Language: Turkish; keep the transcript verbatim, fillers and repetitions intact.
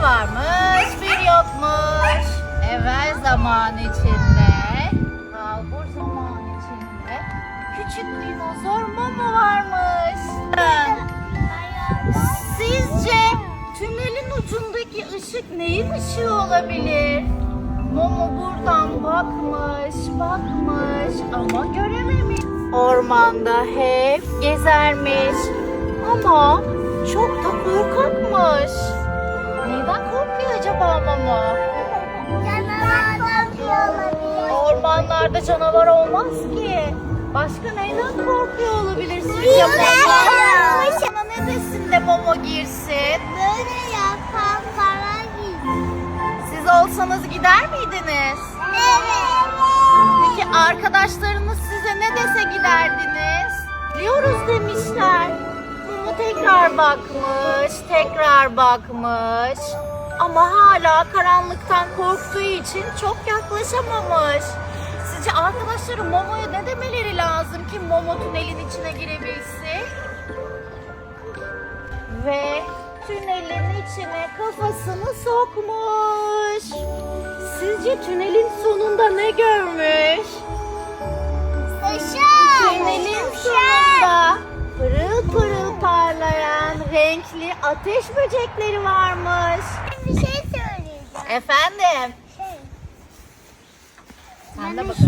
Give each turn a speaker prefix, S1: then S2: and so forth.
S1: varmış, bir yokmuş. Evvel zaman içinde, kalbur zaman içinde küçük dinozor Momo varmış. Sizce tünelin ucundaki ışık neyin ışığı olabilir? Momo buradan bakmış, bakmış ama görememiş. Ormanda hep gezermiş ama çok da korkakmış. Neyden korkuyor acaba Momo?
S2: Canavardan olabilir.
S1: Ormanlarda canavar olmaz ki. Başka neyden korkuyor olabilir sizce Momo? Sana ne desin de Momo girsin?
S2: Böyle yapan para giy.
S1: Siz olsanız gider miydiniz?
S2: Evet.
S1: Peki arkadaşlarınız size ne dese giderdiniz? Biliyoruz demişler. Momo tekrar bakmış, tekrar bakmış. Ama hala karanlıktan korktuğu için çok yaklaşamamış. Sizce arkadaşları Momo'ya ne demeleri lazım ki Momo tünelin içine girebilsin? Ve tünelin içine kafasını sokmuş. Sizce tünelin sonunda ne görmüş?
S2: Işık.
S1: Tünelin sonunda pırıl pırıl parlayan renkli ateş böcekleri varmış.
S2: Bir şey söyleyeceğim.
S1: Efendim?
S2: Şey.
S1: Sen de
S2: Yani
S1: bakalım.